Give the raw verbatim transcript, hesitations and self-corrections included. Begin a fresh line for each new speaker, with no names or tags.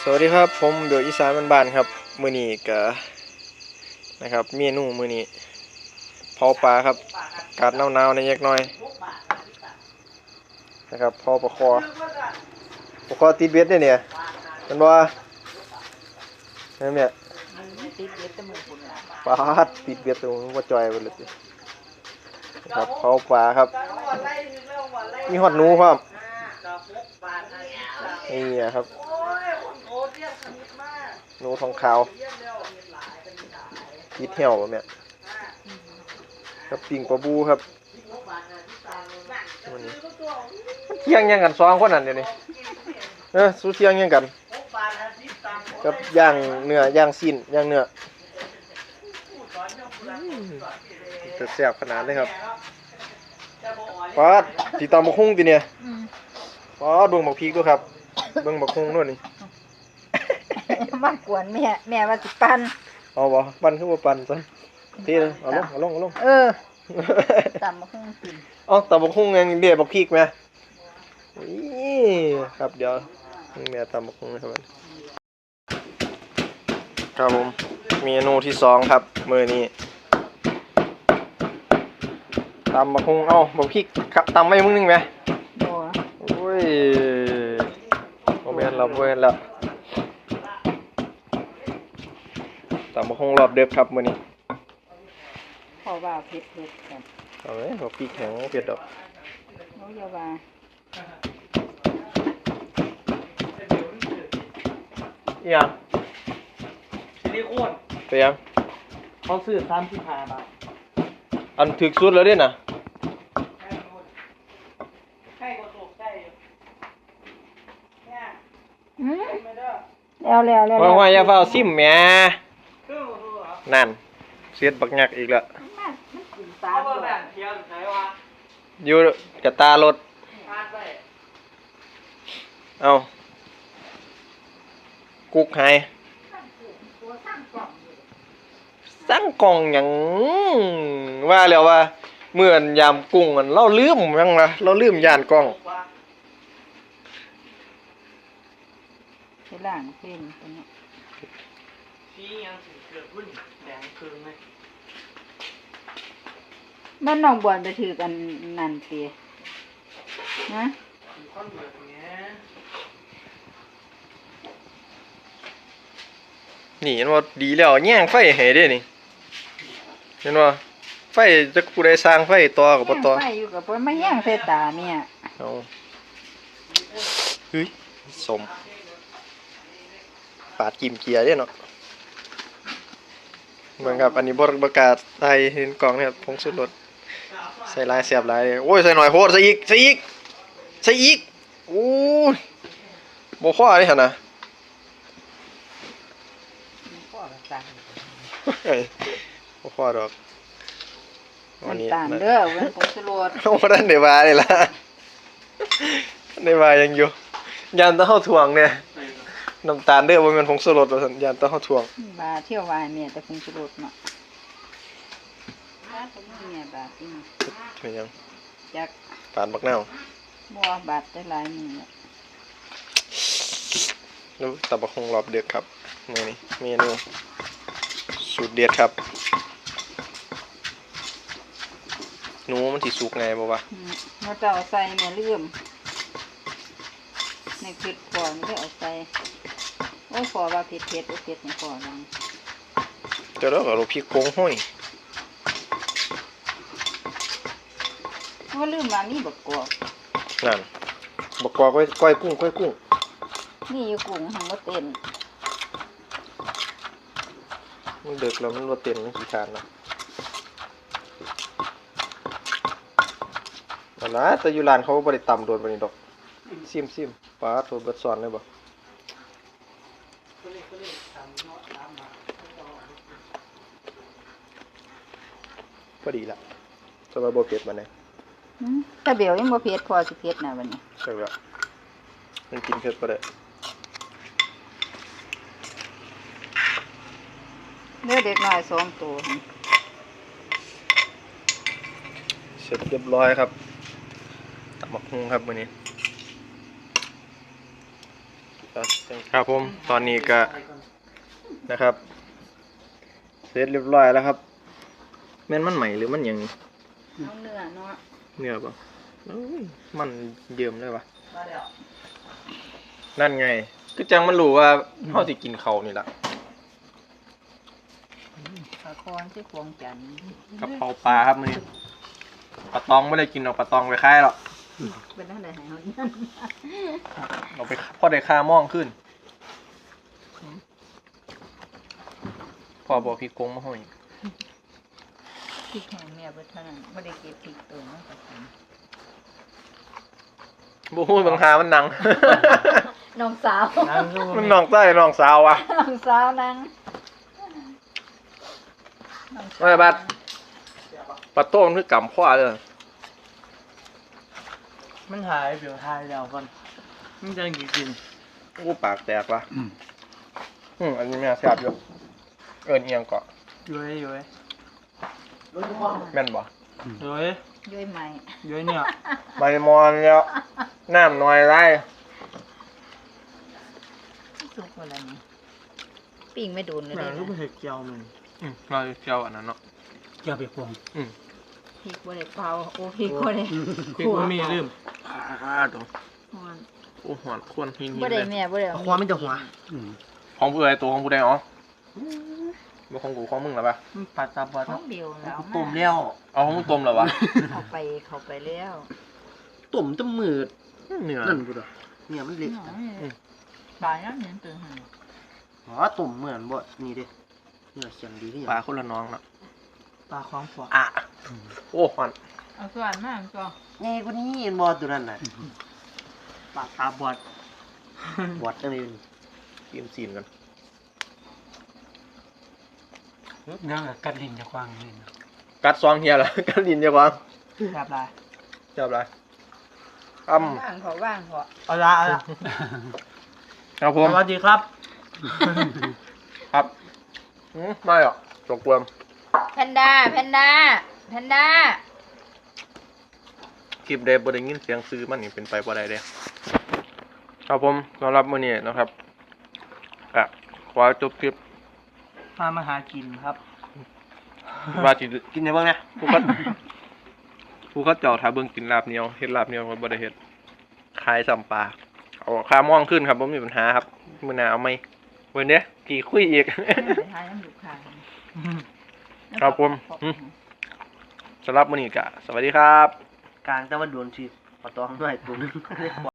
สวัสดีครับผมเบลอีสานบ้านๆครับมื้อนี้ก็นะครับเมนูมื้อนี้เผาปลาครับอากาศหนาวๆในยักหน่อยนะครับเผาปลาคอปลาคอติดเบ็ดเนี่ยเนี่ยมันว่านั่นเนี่ยปลาติดเบ็ดตรงว่าจอยไปเลยครับเผาปลาครับมีฮอดหนูครับนี่ครับหนูทองขาวติดเหี่ยวแบบเนี้ยครับปิ่งปลาบูครับเที่ยงยังกันสองคนนั่นเดี๋ยวนี้เออสู้เที่ยงยังกันกับย่างเนื้อย่างซีนย่างเนื้อจะแซ่บขนาดเลยครับป๊าดตีตามบักฮุ้งตีเนี่ยป๊าดเบิ่งบักพริกด้วยครับเบิ่งบักฮุ้งด้วยนี่
มากวนแม่แม่ว่าสิปัน
เอาบ่ปันคือบ่ปันซะทีนึงเอาลงเอาลงเอาลง
เออตำบักหุ่งกิน
อ๋อตำบักหุ่งยังเบียบักพริกไหมนี่ครับเดี๋ยวแม่ตำบักหุ่งนะครับครับผมเมนูที่สองครับมื้อนี้ตำบักหุ่งเอ้าบักพริกครับตำไว้มึงนึงไหม
บ่
โอ้ยบ่แม่นแล้วบ่แม่นแล้วตำบักหุ่งรอบเด็กครับมื้อนี้
เพราะว่าเผ็ดเผ็ดกัน
เอาไว้บักพริกแข็งเผ็ดดอก
โอ้ยอย่าว่า
อีหยัง
ซิลิโคน
ไปยัง
เขาซื้อสามสิบห้าบาท
อันถึกสุดแล้วเด้น่ะ
ใกล้กว่าตกใกล้อยู่เนี่ย
อืมแล้วแล้วแล้ว
ว่าว่าอย่าเฝ้าซิมแหมนั่นเสียดบักยักอีกแล้วอยู่กระตารถเอากุกหายสั่งกล่องหยังว่าแล้วว่าเมื่อนยามกุ้งมันเราลืมยังล่ะเราลืมย่านกล้อง
ไปล้างเป็นตัวนี้
ชี้ยังสิเกิดพุ่นแดงคืนไหม
บ้านน้องบวนไปถือกันนั่นเตียนะ
ก้อนแบบนี้
นี่เห็นว่าดีแล้วแย่งไฟให้เด้นี่เห็นว่าไฟจะผู้ใดสร้างไฟต่อกับบ่ต่อ
ไฟอยู่กับบ่มาแย่งใส่ตาแม่
เอาเฮ้ยสมปาดกิมเกียร์เด้เนาะเหมือนกับอันนี้บ่ประกาศไทยเห็นกล่องเนี่ยผงชูรสใส่ลายเสียบลายโอ้ยใส่หน่อยโพดใส่อีกใส่อีกใส่อีกโอ้ยบ่พอเด้หั่นน่ะ
พ่อก็สั่ง
บ่พอดอก
วันนี้น้ำตาลเด้อเว้นผงชูรส
โอ้บ่ทันได้ว่าเลยล่ะได้ว่ายังอยู่ยานตะเฮาถ่วงเนี่ยน้ำตาลเด้อบ่แม่นผงชูรสว่าซั่นยานตะเฮาถ่วง
บาเที่ยววายแม่แต่ผงชูรสเนาะบาตรงนี้แม่บาติ
เป็นยัง
จัก
ปานบักนาว
บ่บาดได้หลายมื้อ
แล้วตำบักหุ่งรอบดึกครับมื้อนี้เมนูสูตรเด็ดครับหนูมันสิสุกไงบ่วะ
เฮาจะเอาใส่แม่ลืมในเผ็ดพอมันได้เอาใส่โอ้พอว่าเผ็ดเผ็ดโอ้เผ็ดนี่พอลัง
เดี๋ยวเราก็เอาพริกโกงห้อย
ว่าลืมมานี่บักกอก
นั่นบักกอกไว้ก้อยกุ้งก้อยกุ้ง
นี่อยู่กุ้งหังบ่เต้น
มันดึกแล้วมันบ่เต้นมันขี้คร้านนะนั่นล่ะแต่อยู่ร้านเขาบ่ได้ตำโดนปานนี้ดอกซิมๆปลาโทรเบิดซ้อนเลยบ่พอดีละสำหรับบ่เผ็ดมาเนี่ย
ถ้าเบลยังบ่เผ็ดพอสิเผ็ดนะวันนี้
ใช่แล้วมันกินเผ็ดบ่ได้
เลือเด็กน้อยสองตัว
เสร็จเรียบร้อยครับตำบักหุ่งครับมื้อนี้ครับผมตอนนี้ก็นะครับเสร็จเรียบร้อยแล้วครับแม่นมันใหม่หรือมันหยัง
เอาเนื้อเนาะ
เนื้อป่ะเอ้ยมันเยิ้มเลยวะ
มาแล้ว
นั่นไงคือจังมันรู้ว่าเฮาสิกินเขาวนี่ล่ะ
ปลาคอนที่ควงจันทร์
กะเพราปลาครับมื้อนี้ปลาตองไม่ได้กินหรอกปลาตองไปค่ายหรอก
เป็นอะไรให้เขาเนี่ย
เอาไปพอได้ค่าม่องขึ้นพอบอกพี่กงมาให้
พริกแห้งแม่เบิดเท่านั้นไม่ได้เก็บพริกตัวมาจากไหน
บ่ฮู้บางหามันหนัง
น้องสาว
มันน้องใต้น้องสาวอ่ะ
น้องสาวนางน้องสาว
ไม่บัด ปลาโต้มันคือกำข้อเลย
มันหายเดี๋ยวหายแล้วก่อนมันจะกิน
กูปากแตกว่ะอืมอันนี้แม่แซ่บอยู่เอิ้นเอียงเกาะ
ย้อยย้อย
แม่นบ่
ย้อย
ย้อยใหม่
ย้อยเนี่ย
ใบมอนแล้วน้ำน้อยไร
สุกอะไรนี่ปิ้งไม่โดนเลย
แม่
ได้
ก็
นะ
ไม่เห็นเจียวมัน
อืมเราเจียวอันนั้นเนาะ
เจียวไปพวง
อืม
พริกบ่ได้เปล่าโอ้พริกบ่ได้
พี่ก็มีลืม
อ่าตรง
หอน
โอ้หอนควนหินหิน
บ่
เล
ได้
ย
แม่บ่ได้เอา
ความไม่จะหัว
ของผู้ใดตัวของผู้ใดอ๋อบ่ของกูของมึงเหรอปะ
มันปัดตาบอด
ของเดียวแล้ว
ตุ่มแล้ว
เอาของมึงต้มเหรอวะ
เข้าไปเข้าไปแล้ว
ตุ่มจะมืด
เนื้อ
นั่นกูเด้อเนี่ยมันเล็ก
ปลายังเห็นตื่นหัน
อ๋อตุ่มเหมือนบ่นี่ดิเนี่ยเสียงดีที่
ปลาคนละน้องเนาะ
ปลาความฝัว
อ่ะโอ้หอน
เอาส่วนมากก็
ไงกูนี่เห็นบ่ตัวนั้นน่ะปลาตาบอดบอดจังเลย
กินซีนกัน
เนื้อกัดลิ้นจะกว้างเลยนะ
กัดซองเฮียเหรอ กัดดินจะวาง
แบบไร
จับอะไรอ้ำ
ว่างเขาว่างเขา
เอาละเอาละ
ครับผ
ส
ม
วัสดีครับ
ครับอืมไม่หรอกจกกวม
แพนด้าแพนด้าแพนด้า
คลิปเดบได้ยินเสียงซื้อมันนี่เป็นไปบ่ได้เด้ครับผมสำหรับมื้อนี้นะครับก็ขอจบคลิป
พามาหากินครับ
ว่าสิกินได้เบิ่งนะผู้เขาผู้เขาเจ้าถ้าเบิ่งกินลาบเหนียวเฮ็ดลาบเหนียวก็บ่ได้เฮ็ดขายซ้ำปลาเอาค่าม่องขึ้นครับบ่มีปัญหาครับมื้อหน้าเอาไหมวันนี้กี่คุยอีก
ไปทายน้ำดูกค่ะ
ครับผมอืม สำหรับมื้อนี้ก็สวัสดีครับ
กลางแต่ว่าโดนชีปะตองด้วยตัวนึง